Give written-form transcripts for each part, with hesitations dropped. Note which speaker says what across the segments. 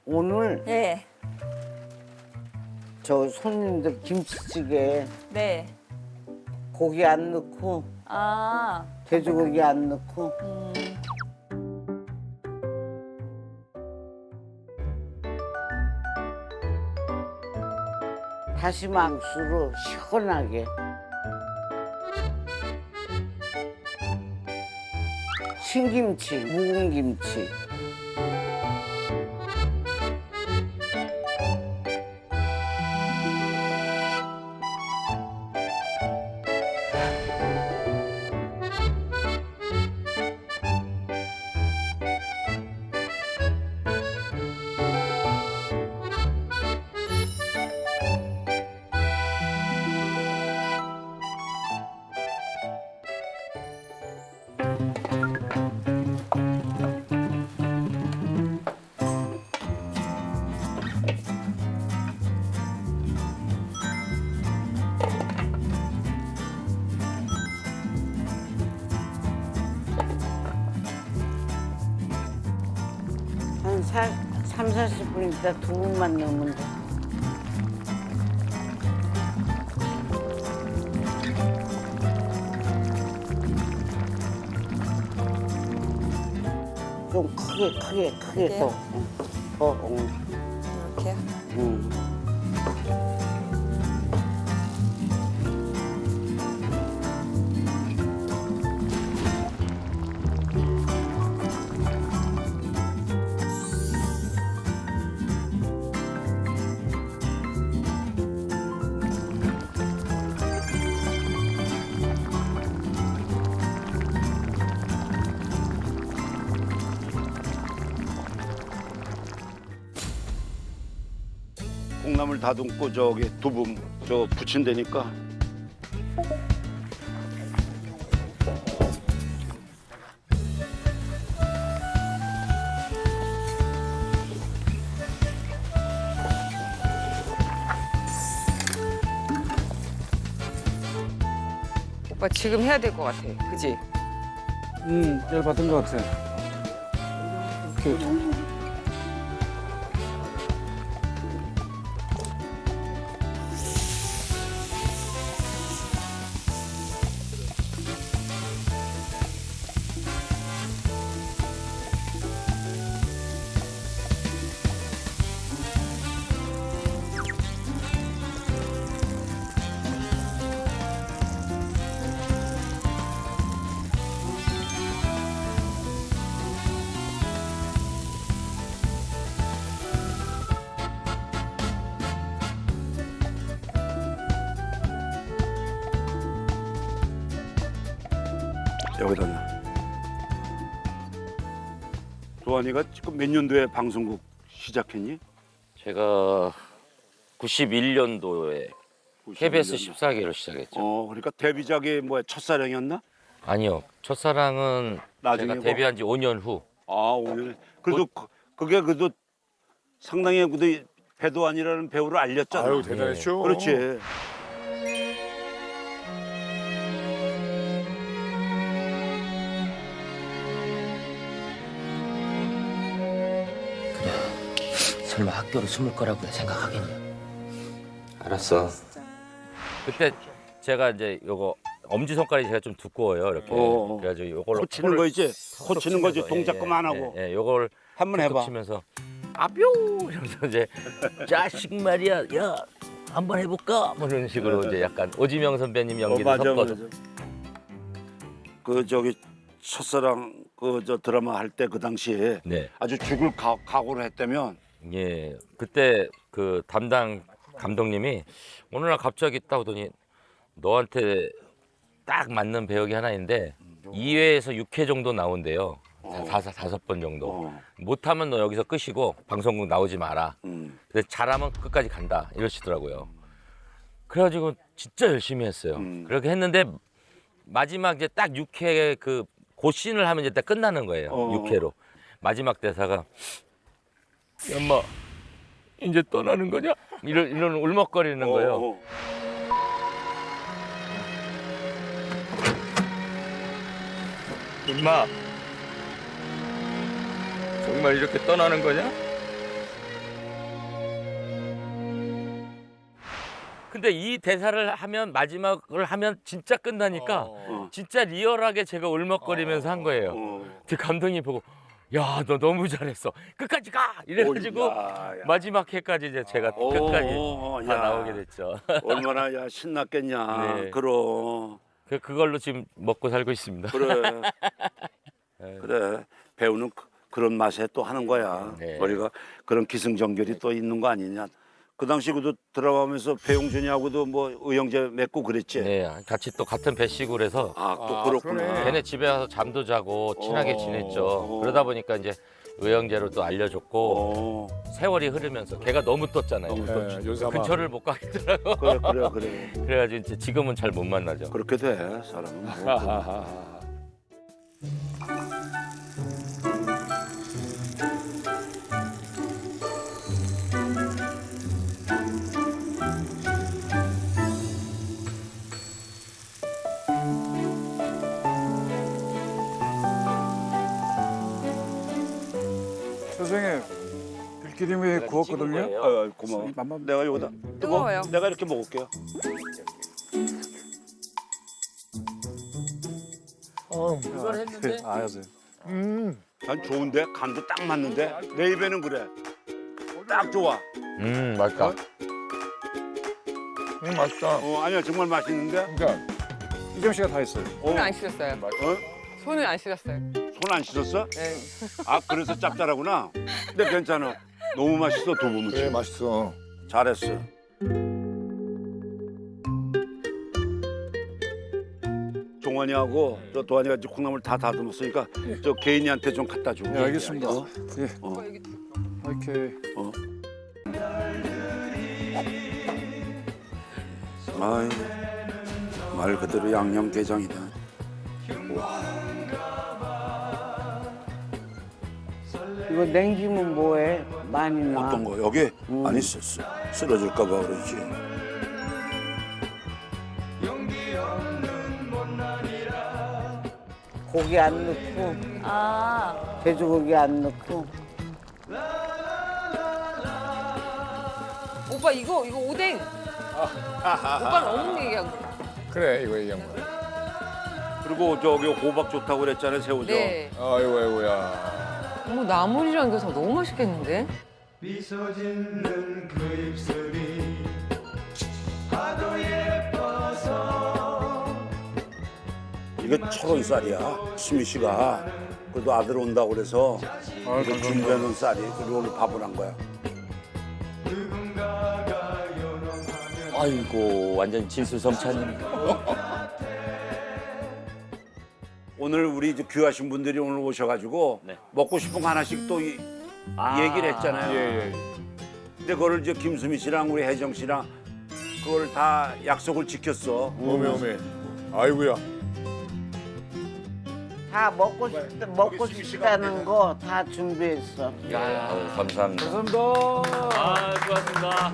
Speaker 1: 오늘
Speaker 2: 네.
Speaker 1: 저 손님들 김치찌개
Speaker 2: 네.
Speaker 1: 고기 안 넣고
Speaker 2: 아.
Speaker 1: 돼지고기 안 넣고 다시마 국수로 시원하게 신김치, 묵은 김치. 한 3, 40분 있다 두부만 넣으면 돼. 좀 크게
Speaker 2: 크게요?
Speaker 1: 더.
Speaker 2: 이렇게요?
Speaker 3: 콩나물 다듬고 저기 두부 저 부친다니까.
Speaker 4: 오빠 지금 해야 될 것 같아. 그지?
Speaker 5: 열받은 것 같아. 이렇게
Speaker 3: 여기다 놔. 도환이가 지금 몇 년도에 방송국 시작했니?
Speaker 6: 제가 91년도에 KBS 14기로 시작했죠.
Speaker 3: 그러니까 데뷔작이 뭐야 첫사랑이었나?
Speaker 6: 아니요. 첫사랑은 제가
Speaker 3: 나중이고?
Speaker 6: 데뷔한 지 5년 후.
Speaker 3: 아 오늘 그래도 그게 그래도 상당히 그래도 배도환이라는 배우를 알렸잖아.
Speaker 5: 아유 대단했죠.
Speaker 3: 그렇지.
Speaker 7: 설마 학교로 숨을 거라고 생각하겠냐?
Speaker 6: 알았어. 그때 제가 이제 요거 엄지손가락이 제가 좀 두꺼워요. 이렇게. 그래가지고 요걸로
Speaker 3: 코치는
Speaker 6: 코를
Speaker 3: 거 이제
Speaker 6: 톡톡
Speaker 3: 코치는 거지
Speaker 6: 치면서,
Speaker 3: 동작 그만하고
Speaker 6: 예, 요걸
Speaker 3: 한번
Speaker 6: 톡톡
Speaker 3: 해봐.
Speaker 6: 치면서 아뿅 이러면서 이제 자식 말이야. 야, 한번 해볼까? 뭐 이런 식으로 이제 약간 오지명 선배님 연기를
Speaker 3: 맞아,
Speaker 6: 섞어서.
Speaker 3: 맞아. 그 저기 첫사랑 그 저 드라마 할 때 그 당시에
Speaker 6: 네.
Speaker 3: 아주 죽을 각오를 했다면
Speaker 6: 예, 그때 그 담당 감독님이 어느 날 갑자기 딱 오더니 너한테 딱 맞는 배역이 하나 있는데 2회에서 6회 정도 나온대요. 다섯 번 정도. 못하면 너 여기서 끝이고 방송국 나오지 마라. 근데 잘하면 끝까지 간다 이러시더라고요. 그래가지고 진짜 열심히 했어요. 그렇게 했는데 마지막 이제 딱 6회 그 고씬을 하면 이제 딱 끝나는 거예요. 6회로. 마지막 대사가 엄마 이제 떠나는 거냐? 이런 울먹거리는 거예요.
Speaker 8: 임마, 정말 이렇게 떠나는 거냐?
Speaker 6: 근데 이 대사를 하면 마지막을 하면 진짜 끝나니까 진짜 리얼하게 제가 울먹거리면서 한 거예요. 그 감독님 보고 야, 너 너무 잘했어. 끝까지 가! 이래가지고 마지막 회까지 이제 제가 끝까지 다
Speaker 3: 야.
Speaker 6: 나오게 됐죠.
Speaker 3: 얼마나 야 신났겠냐.
Speaker 6: 네.
Speaker 3: 그럼
Speaker 6: 그걸로 지금 먹고 살고 있습니다.
Speaker 3: 그래. 그래. 배우는 그런 맛에 또 하는 거야.
Speaker 6: 네.
Speaker 3: 우리가 그런 기승전결이 또 있는 거 아니냐. 그 당시 그도 들어가면서 배용준이하고도 뭐 의형제 맺고 그랬지.
Speaker 6: 네, 같이 또 같은 배식을 해서
Speaker 3: 또 그렇구나.
Speaker 6: 걔네 집에 와서 잠도 자고 친하게 지냈죠. 그러다 보니까 이제 의형제로 또 알려줬고 세월이 흐르면서 걔가 너무 떴잖아요. 근처를 못 가겠더라고.
Speaker 3: 그래.
Speaker 6: 그래가지고 이제 지금은 잘 못 만나죠.
Speaker 3: 그렇게 돼 사람은. 뭐.
Speaker 5: 선생님 들기름에 구웠거든요.
Speaker 3: 고마워.
Speaker 5: 맛만
Speaker 3: 내가 여기다
Speaker 4: 뜨거워요.
Speaker 3: 내가 이렇게 먹을게요.
Speaker 6: 이걸 했는데
Speaker 5: 아, 선생님.
Speaker 3: 난 좋은데 간도 딱 맞는데 내 입에는 그래. 딱 좋아.
Speaker 6: 맛있다.
Speaker 2: 맛있다.
Speaker 3: 아니야 정말 맛있는데.
Speaker 2: 그러니까
Speaker 5: 이정 씨가 다 했어요.
Speaker 4: 손을 안 씻었어요.
Speaker 3: 어?
Speaker 4: 손을 안 씻었어요.
Speaker 3: 손 안 씻었어?
Speaker 4: 네.
Speaker 3: 아 그래서 짭짤하구나. 근데 괜찮아. 너무 맛있어 두부무침.
Speaker 2: 그래 맛있어.
Speaker 3: 잘했어. 종환이하고 저 도환이가 이제 콩나물 다 다듬었으니까 저 개인이한테 좀 갖다 주고.
Speaker 5: 네, 알겠습니다. 예. 이렇게
Speaker 3: 아유, 말 그대로 양념게장이다.
Speaker 1: 이거 냉기면 뭐해? 많이 놔.
Speaker 3: 어떤 거 여기 아니 쓰러질까 봐 그러지.
Speaker 1: 고기 안 넣고, 돼지고기 안 넣고.
Speaker 4: 오빠 이거 오뎅. 오빠는 어묵 얘기하고.
Speaker 2: 그래 이거 얘기한 거야.
Speaker 3: 그리고 저기 호박 좋다고 그랬잖아요 새우젓.
Speaker 4: 네.
Speaker 2: 아이고 아이고야.
Speaker 4: 어머 나물이랑 이거 다 너무 맛있겠는데?
Speaker 3: 이게 철원쌀이야. 수미 씨가 그래도 아들 온다고 그래서 이거 준비해놓은 쌀이 그리고 오늘 밥을 한 거야.
Speaker 6: 아이고 완전 진수성찬.
Speaker 3: 오늘 우리 이제 귀하신 분들이 오늘 오셔가지고 먹고 싶은 거 하나씩 또 얘기를 했잖아요.
Speaker 2: 예.
Speaker 3: 근데 그걸 이제 김수미 씨랑 우리 혜정 씨랑 그걸 다 약속을 지켰어.
Speaker 2: 오메. 아이고야.
Speaker 1: 다 먹고 싶다는 거 다 준비했어.
Speaker 6: 감사합니다.
Speaker 5: 감사합니다.
Speaker 6: 아, 고맙습니다.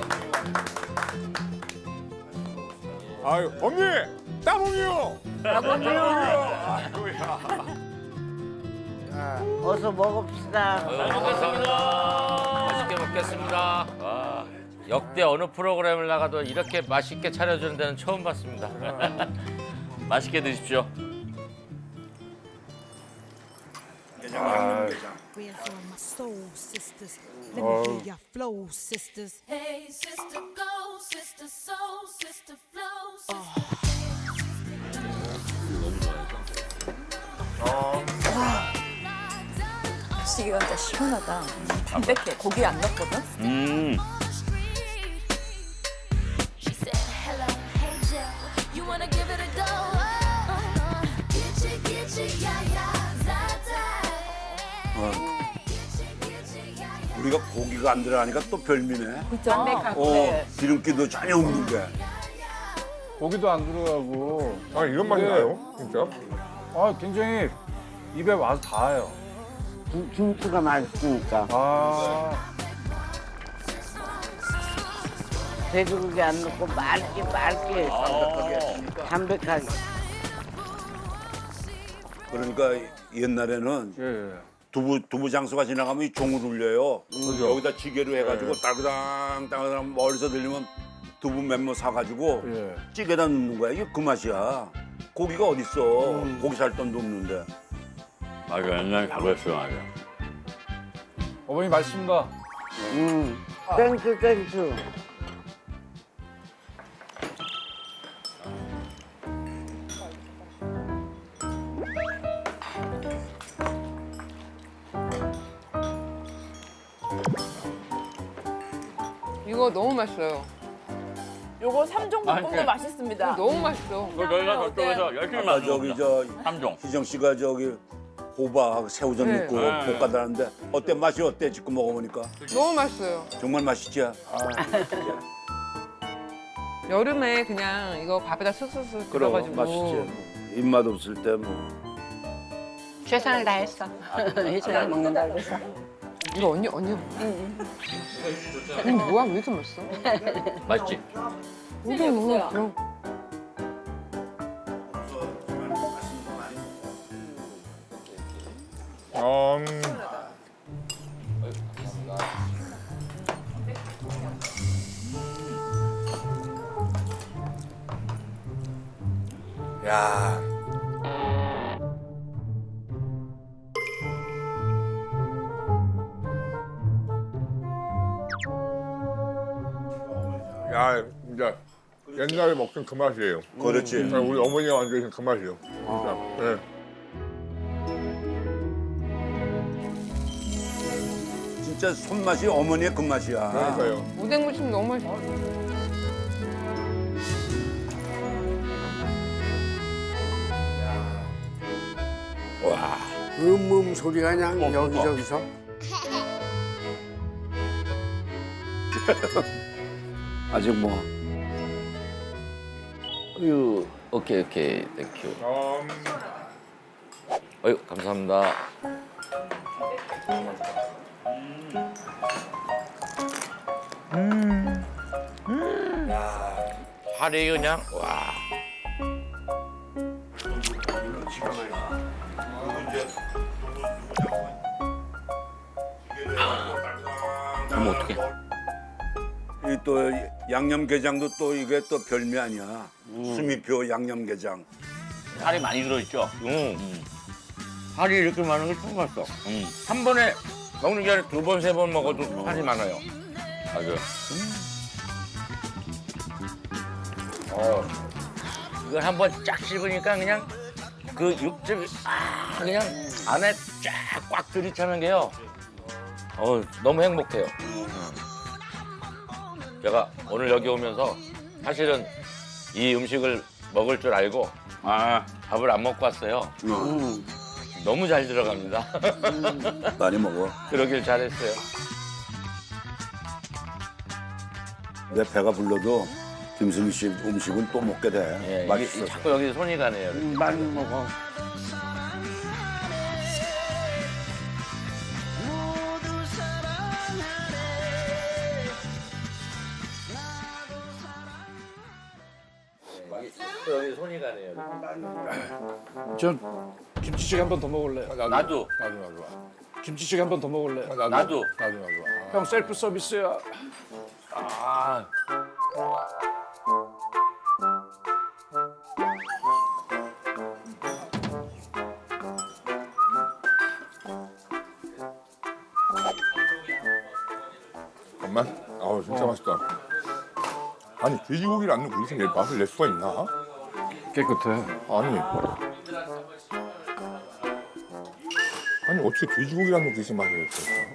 Speaker 2: 아유 언니 따봉이요.
Speaker 1: 어서 먹읍시다.
Speaker 6: 먹겠습니다. 맛있게 먹겠습니다. 와, 역대 어느 프로그램을 나가도 이렇게 맛있게 차려주는 데는 처음 봤습니다. 맛있게 드십시오.
Speaker 8: We are for my soul sisters. Let me hear your flow, sisters.
Speaker 9: Hey, sister, go, sister, soul, sister, flow, sister.
Speaker 10: 시기가 진짜 시원하다. 담백해. 고기 안 넣거든.
Speaker 9: She said, hello, hey, Joe. You wanna give it a go? Get you, yeah, yeah,
Speaker 3: 우리가 고기가 안 들어가니까 또 별미네.
Speaker 10: 그죠?
Speaker 3: 기름기도 전혀 없는데.
Speaker 5: 고기도 안 들어가고.
Speaker 2: 아 이런 맛이 나요? 진짜?
Speaker 5: 아, 굉장히 입에 와서 닿아요.
Speaker 1: 김치가 맛있으니까.
Speaker 5: 아,
Speaker 1: 돼지고기 안 넣고 맑게 담백하게.
Speaker 3: 그러니까 옛날에는
Speaker 5: 예.
Speaker 3: 두부 장수가 지나가면 이 종을 울려요. 여기다 지게로 해가지고 따그당 멀리서 들리면 두부 멤버 사가지고
Speaker 5: 예.
Speaker 3: 찌개다 넣는 거야. 이게 그 맛이야. 고기가 어딨어. 고기 살 돈도 없는데.
Speaker 11: 맞아, 옛날에 가봤어, 맞아.
Speaker 5: 어머니 맛있습니다.
Speaker 1: 땡큐 땡큐.
Speaker 4: 이거 너무 맛있어요.
Speaker 10: 요거 삼종 볶음도 맛있습니다.
Speaker 4: 너무 맛있어.
Speaker 11: 저희가 저쪽에서 열심히
Speaker 3: 아까
Speaker 11: 만든
Speaker 3: 저기
Speaker 11: 겁니다.
Speaker 3: 저
Speaker 11: 삼종.
Speaker 3: 희정 씨가 저기 호박 새우젓
Speaker 4: 네.
Speaker 3: 넣고
Speaker 11: 네.
Speaker 3: 볶아달라는데 어때? 맛이 어때? 지금 먹어보니까
Speaker 4: 너무 맛있어요.
Speaker 3: 정말 맛있지?
Speaker 4: 여름에 그냥 이거 밥에다 쓱쓱쓱 들어가지고.
Speaker 3: 맛있지. 입맛 없을 때 뭐.
Speaker 10: 최선을 다했어. 희정이 먹는다 그래서.
Speaker 4: 이거 언니. 언니 뭐야 왜 이렇게 맛있어?
Speaker 6: 맛있지?
Speaker 4: 이게 뭐야? 그럼
Speaker 3: 야.
Speaker 2: 야, 진짜 옛날에 먹던 그 맛이에요.
Speaker 3: 그렇지.
Speaker 2: 우리 어머니가 만드신 그 맛이에요. 진짜. 네.
Speaker 3: 진짜 손맛이 어머니의 그 맛이야.
Speaker 2: 그러니까요.
Speaker 4: 우동무침 너무 맛있어.
Speaker 3: 소리가 그냥 여기저기서. 아직 뭐.
Speaker 6: 어유, 오케이, 땡큐. 어유, 감사합니다. 살이 그냥 와. 그럼 어떡해?
Speaker 3: 이 또 양념게장도 또 이게 또 별미 아니야. 수미표 양념게장.
Speaker 11: 살이 많이 들어있죠?
Speaker 6: 살이 이렇게 많은 걸 처음 봤어. 한 번에 먹는 게 아니라 두 번, 세 번 먹어도 살이 많아요. 맞아. 이걸 한 번 쫙 씹으니까 그냥 그 육즙이 그냥 안에 쫙 꽉 들이차는 게요. 너무 행복해요. 제가 오늘 여기 오면서 사실은 이 음식을 먹을 줄 알고 밥을 안 먹고 왔어요. 너무 잘 들어갑니다.
Speaker 3: 많이 먹어.
Speaker 6: 그러길 잘했어요.
Speaker 3: 내 배가 불러도 김승희 씨 음식은 또 먹게 돼.
Speaker 6: 예,
Speaker 3: 맛있어.
Speaker 6: 자꾸 여기 손이 가네요.
Speaker 1: 많이 먹어.
Speaker 6: 여기 손이 가네요.
Speaker 5: 전 김치찌개 한 번 더 먹을래.
Speaker 6: 나도.
Speaker 5: 김치찌개 한 번 더 먹을래.
Speaker 6: 나도.
Speaker 5: 형 셀프 서비스야.
Speaker 6: 아.
Speaker 2: 잠깐만. 아우 진짜 맛있다. 아니 돼지고기를 안 넣고 이렇게 맛을 낼 수가 있나?
Speaker 5: 깨끗해.
Speaker 2: 아니 어떻게 돼지고기를 안 넣고 이렇게 맛을 낼 수가 있어?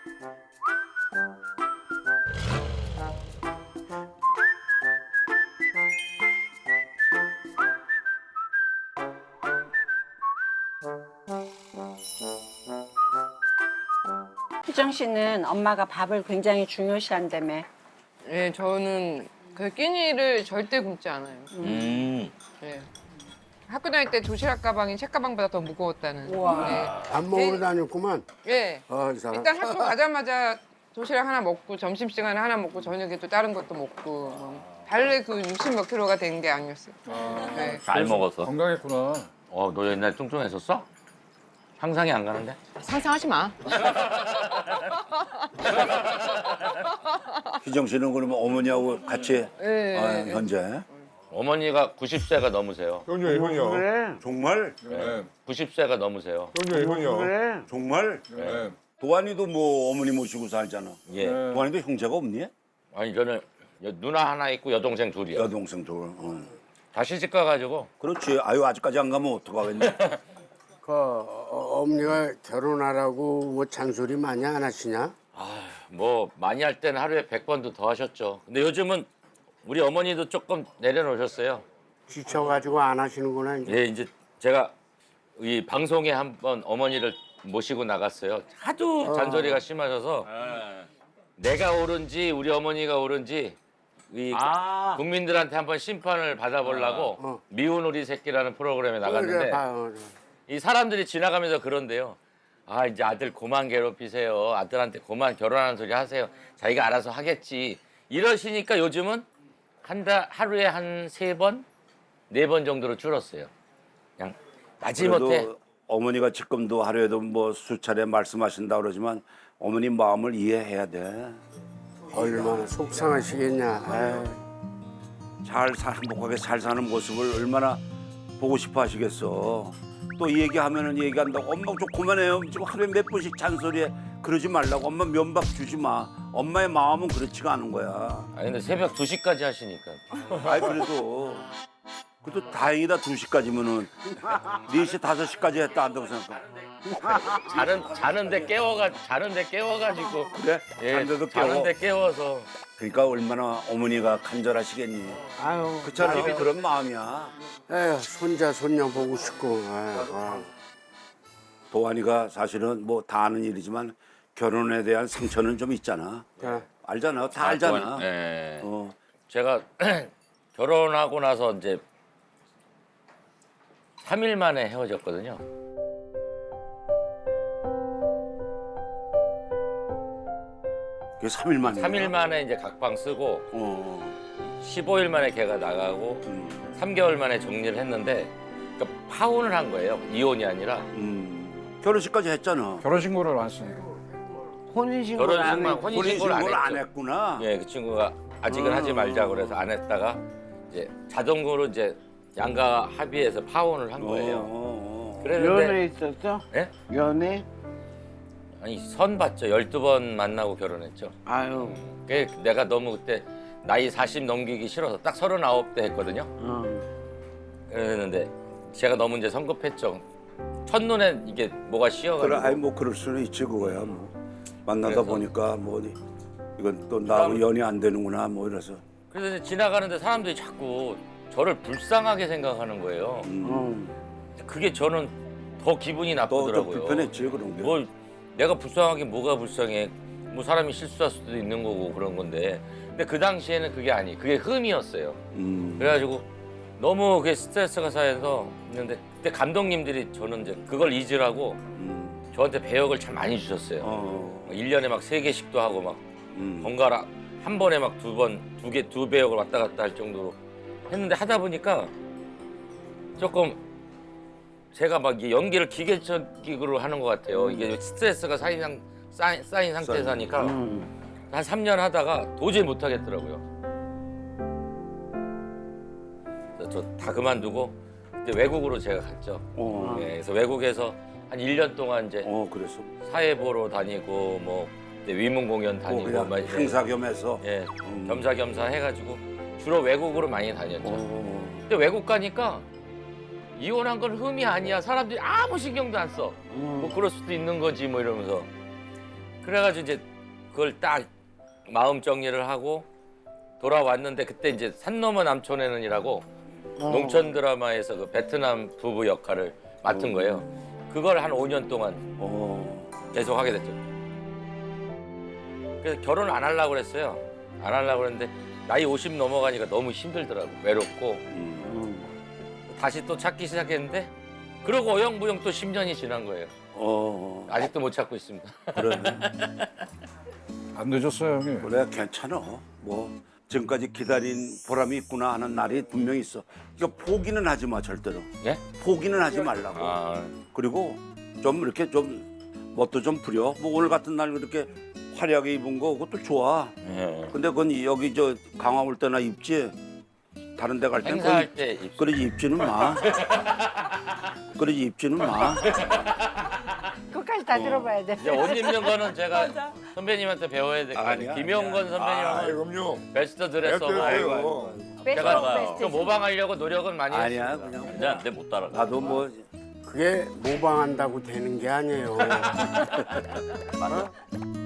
Speaker 10: 희정 씨는 엄마가 밥을 굉장히 중요시한다며.
Speaker 4: 예, 저는 그 끼니를 절대 굶지 않아요. 예. 학교 다닐 때 도시락 가방이 책 가방보다 더 무거웠다는. 네.
Speaker 3: 밥 먹으러 다녔구만.
Speaker 4: 예.
Speaker 3: 이 사람.
Speaker 4: 일단 학교 가자마자 도시락 하나 먹고 점심시간에 하나 먹고 저녁에 또 다른 것도 먹고 달래 그 60 몇 킬로가 된 게 아니었어요. 네.
Speaker 6: 잘 먹었어.
Speaker 5: 건강했구나.
Speaker 6: 너 옛날 뚱뚱했었어? 상상이 안 가는데?
Speaker 4: 상상하지 마.
Speaker 3: 희정 씨는 그러면 어머니하고 같이
Speaker 4: 네.
Speaker 3: 현재
Speaker 6: 어머니가 90세가 넘으세요.
Speaker 2: 형이요.
Speaker 1: 그래.
Speaker 3: 정말
Speaker 2: 네.
Speaker 6: 90세가 넘으세요.
Speaker 2: 형이요.
Speaker 1: 그래.
Speaker 3: 정말
Speaker 2: 네.
Speaker 3: 도환이도 뭐 어머니 모시고 살잖아.
Speaker 6: 예.
Speaker 3: 도환이도 형제가 없니?
Speaker 6: 아니 저는 누나 하나 있고 여동생 둘이요.
Speaker 3: 여동생 둘.
Speaker 6: 다 시집 가가지고
Speaker 3: 그렇지. 아유 아직까지 안 가면 어떡하겠니?
Speaker 12: 어머니가 결혼하라고 뭐 잔소리 많이 안 하시냐?
Speaker 6: 뭐 많이 할 때는 하루에 100번도 더 하셨죠. 근데 요즘은 우리 어머니도 조금 내려놓으셨어요.
Speaker 12: 지쳐가지고 안 하시는구나 이제.
Speaker 6: 예, 이제 제가 이 방송에 한번 어머니를 모시고 나갔어요. 하도 잔소리가 심하셔서 내가 옳은지 우리 어머니가 옳은지 이 국민들한테 한번 심판을 받아보려고 미운 우리 새끼라는 프로그램에 나갔는데 이 사람들이 지나가면서 그런데요. 아 이제 아들 그만 괴롭히세요. 아들한테 그만 결혼하는 소리 하세요. 자기가 알아서 하겠지. 이러시니까 요즘은 하루에 한 3번, 4번 정도로 줄었어요. 그냥 마지못해
Speaker 3: 그래도 어머니가 지금도 하루에도 뭐 수차례 말씀하신다 그러지만 어머니 마음을 이해해야 돼.
Speaker 12: 얼마나 속상하시겠냐.
Speaker 3: 행복하게 잘 사는 모습을 얼마나 보고 싶어 하시겠어. 또 이 얘기하면은 얘기한다고 엄마 좀 그만해요. 지금 하루에 몇 번씩 잔소리해. 그러지 말라고. 엄마 면박 주지 마. 엄마의 마음은 그렇지가 않은 거야.
Speaker 6: 아니 근데 새벽 2시까지 하시니까
Speaker 3: 아이 그래도 다행이다. 2시까지면은 4시 5시까지 했다 한다고 생각해.
Speaker 6: 자는데 깨워가지고
Speaker 3: 그래?
Speaker 6: 예,
Speaker 3: 잠들도 깨워.
Speaker 6: 자는데 깨워서
Speaker 3: 그러니까 얼마나 어머니가 간절하시겠니.
Speaker 1: 아유.
Speaker 3: 그처럼 그런 마음이야.
Speaker 12: 에휴, 손자 손녀 보고 싶고.
Speaker 3: 도환이가 사실은 뭐 다 아는 일이지만 결혼에 대한 상처는 좀 있잖아. 알잖아. 다 알잖아.
Speaker 6: 예.
Speaker 3: 어.
Speaker 6: 제가 결혼하고 나서 이제 3일 만에 헤어졌거든요.
Speaker 3: 그게 3일 만에.
Speaker 6: 3일 만에 이제 각방 쓰고 15일 만에 걔가 나가고 3개월 만에 정리를 했는데 그러니까 파혼을 한 거예요. 이혼이 아니라.
Speaker 3: 결혼식까지 했잖아.
Speaker 5: 결혼신고를 안 했으니까.
Speaker 1: 혼인신고를 안
Speaker 6: 결혼식만
Speaker 1: 했.
Speaker 6: 혼인신고를
Speaker 3: 안 했구나.
Speaker 6: 예, 그 친구가 아직은 하지 말자 그래서 안 했다가 이제 자동으로 이제 양가 합의해서 파혼을 한 거예요. 그랬는데
Speaker 1: 연애 있었어?
Speaker 6: 예?
Speaker 1: 연애?
Speaker 6: 아니 선 봤죠. 12번 만나고 결혼했죠.
Speaker 1: 아유.
Speaker 6: 그 내가 너무 그때 나이 40 넘기기 싫어서 딱 39대 했거든요. 그랬는데 제가 너무 이제 성급했죠. 첫눈에 이게 뭐가 씌어가지고.
Speaker 3: 그래, 아니 뭐 그럴 수는 있지 그거야. 뭐 만나다 보니까 뭐 이건 또 나하고 연이 안 되는구나 뭐 이래서.
Speaker 6: 그래서 이제 지나가는데 사람들이 자꾸 저를 불쌍하게 생각하는 거예요. 그게 저는 더 기분이 나쁘더라고요.
Speaker 3: 또 불편했지 그런 게.
Speaker 6: 뭐 내가 불쌍하게 뭐가 불쌍해? 뭐 사람이 실수할 수도 있는 거고 그런 건데. 근데 그 당시에는 그게 흠이었어요. 그래가지고 너무 그게 스트레스가 쌓여서 있는데 그때 감독님들이 저는 이제 그걸 잊으라고 저한테 배역을 참 많이 주셨어요. 1년에 막 3개씩도 하고 막 번갈아 한 번에 막 두 배역을 왔다 갔다 할 정도로 했는데 하다 보니까 조금 제가 막 이게 연기를 기계적으로 하는 것 같아요. 이게 스트레스가 쌓인 상태에서 하니까 한 3년 하다가 도저히 못 하겠더라고요. 저 다 그만두고 그때 외국으로 제가 갔죠. 예, 그래서 외국에서 한 1년 동안 이제
Speaker 3: 그랬어.
Speaker 6: 사회 보러 다니고 뭐 그때 위문 공연 다니고
Speaker 3: 그냥
Speaker 6: 막
Speaker 3: 행사 겸해서.
Speaker 6: 예, 겸사겸사 해가지고 주로 외국으로 많이 다녔죠. 근데 외국 가니까 이혼한 건 흠이 아니야. 사람들이 아무 신경도 안 써. 뭐 그럴 수도 있는 거지 뭐 이러면서. 그래가지고 이제 그걸 딱 마음 정리를 하고 돌아왔는데 그때 이제 산 넘어 남촌에는이라고 농촌 드라마에서 그 베트남 부부 역할을 맡은 거예요. 그걸 한 5년 동안 계속 하게 됐죠. 그래서 결혼 안 하려고 그랬어요. 안 하려고 그랬는데 나이 50 넘어가니까 너무 힘들더라고. 외롭고. 다시 또 찾기 시작했는데 그러고 어영부영 또 10년이 지난 거예요. 아직도 못 찾고 있습니다.
Speaker 3: 그래.
Speaker 5: 안 늦었어요, 형님.
Speaker 3: 그래, 괜찮아. 뭐 지금까지 기다린 보람이 있구나 하는 날이 분명히 있어. 그러니까 포기는 하지 마 절대로.
Speaker 6: 예?
Speaker 3: 포기는 하지 말라고. 그리고 좀 이렇게 좀 멋도 좀 부려. 뭐 오늘 같은 날 이렇게 화려하게 입은 거 그것도 좋아.
Speaker 6: 예.
Speaker 3: 근데 그건 여기 저 강화 올 때나 입지. 다른 데 갈 때는
Speaker 6: 행사할 때 입.
Speaker 3: 그러지 입지는 마. 그러지 입지는 마.
Speaker 1: 끝까지 다 들어봐야 돼.
Speaker 6: 이제 옷 입는 거는 제가 선배님한테 배워야 될 거
Speaker 3: 아니야,
Speaker 6: 같아요. 김용건 선배님은
Speaker 2: 그럼요.
Speaker 6: 베스트 드레서.
Speaker 2: 됐어요.
Speaker 6: 제가 좀 모방하려고 노력은 많이
Speaker 3: 아니야
Speaker 6: 했어요.
Speaker 3: 그냥.
Speaker 11: 근데 안돼 못 따라가.
Speaker 3: 나도 뭐
Speaker 12: 그게 모방한다고 되는 게 아니에요.